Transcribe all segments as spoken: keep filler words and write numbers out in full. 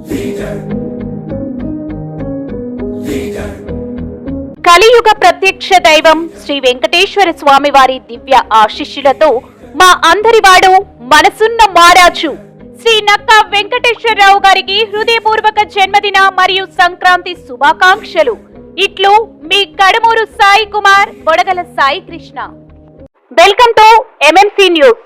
కలియుగ ప్రత్యక్ష దైవం శ్రీ వెంకటేశ్వర స్వామి వారి దివ్య ఆశీస్సులతో మా అందరివాడు మనసున్న మారాజు శ్రీ నక్కా వెంకటేశ్వరరావు గారికి హృదయపూర్వక జన్మదిన మరియు సంక్రాంతి శుభాకాంక్షలు. ఇట్లు మీ Kadamuru Sai Kumar, Bodagala Sai Krishna. Welcome to MMC news.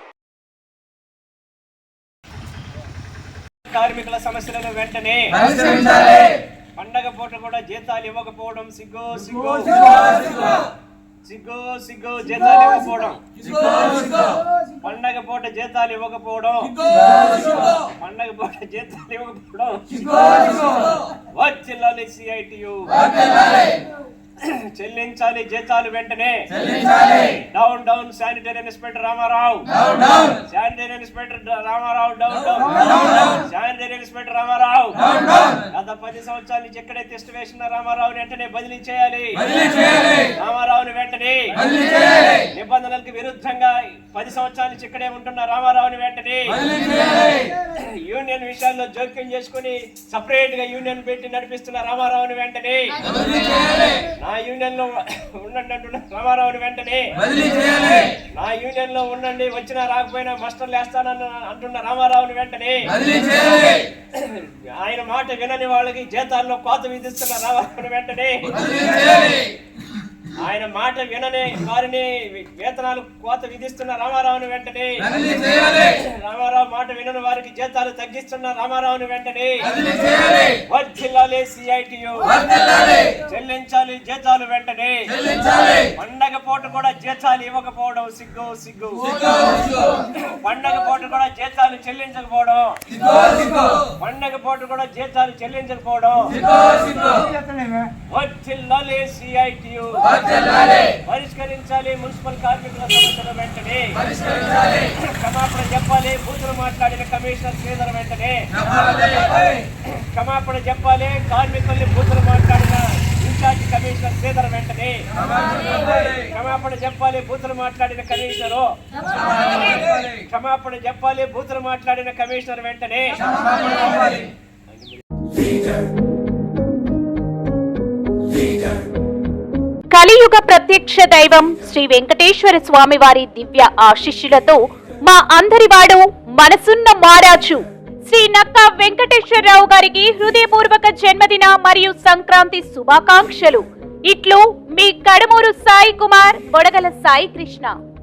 కార్మికుల సమస్యలను వెంటనే పండగ పూట కూడా జీతాలు ఇవ్వకపోవడం సిగ్గు సిగ్గు సిగ్గు సిగ్గు జీతాలు ఇవ్వకపోవడం పండగ పూట జీతాలు ఇవ్వకపోవడం పండగ పూట జీతాలు ఇవ్వకపోవడం వర్ధిల్లాలి సిఐటియు చెల్లించాలి జీతాలు వెంటనే. Down down sanitary inspector Ramarao, sanitary inspector Ramarao, down down sanitary inspector Ramarao. గత పది సంవత్సరాల నుంచి ఎక్కడే టెస్ట్ వేసిన రామారావుని వెంటనే బదిలీ చేయాలి. రామారావుని వెంటనే నిబంధనలకు విరుద్ధంగా పది సంవత్సరాల నుంచి ఇక్కడే ఉంటున్న రామారావుని వెంటనే యూనియన్ విషయాల్లో జోక్యం చేసుకుని సపరేట్ గా యూనియన్ పెట్టి నడిపిస్తున్న రామారావుని వెంటనే, నా యూనియన్ లో ఉండండి అంటున్న రామారావుని వెంటనే, నా యూనియన్ లో ఉండండి వచ్చినా రాకపోయినా మస్టర్లు వేస్తానన్న అంటున్న రామారావుని వెంటనే, ఆయన మాట వినని వాళ్ళకి జీతాల్లో కోత విధిస్తున్న రామారావుని వెంటనే, ఆయన మాట వినని వారిని వేతనాలు కోత విధిస్తున్న రామారావుని వెంటనే, రామారావు మాట వినని వారికి జీతాలు తగ్గిస్తున్న రామారావుని వెంటనే వర్ధిల్లాలి సిఐటియు చెల్లించాలి జీతాలు వెంటనే. పండగ పూట కూడా జీతాలు ఇవ్వకపోవడం సిగ్గు సిగ్గు పండగ పూట కూడా జీతాలు చెల్లించకపోవడం పండగ పూట కూడా జీతాలు చెల్లించకపోవడం వర్ధిల్లాలి సిఐటియు పరిష్కరించాలి. మున్సిపల్ కార్మికుల సమస్యలు వెంటనే క్షమాపణ చెప్పాలి. బూతులు మాట్లాడిన కమిషనర్ శ్రీధర్ వెంటనే క్షమాపణ చెప్పాలి. కార్మికుల్ని బూతులు మాట్లాడిన ఇన్ఛార్జ్ కమిషనర్ శ్రీధర్ వెంటనే క్షమాపణ చెప్పాలి. బూతులు మాట్లాడిన కమిషనరు క్షమాపణ చెప్పాలి. బూతులు మాట్లాడిన కమిషనర్ వెంటనే. కలియుగ ప్రత్యక్ష దైవం శ్రీ వెంకటేశ్వర స్వామి వారి దివ్య ఆశీస్సులతో మా అందరివాడు మనసున్న మారాజు శ్రీ నక్కా వెంకటేశ్వరరావు గారికి హృదయపూర్వక జన్మదిన మరియు సంక్రాంతి శుభాకాంక్షలు. ఇట్లు మీ కడమూరు సాయి కుమార్, బొడగల సాయి కృష్ణ.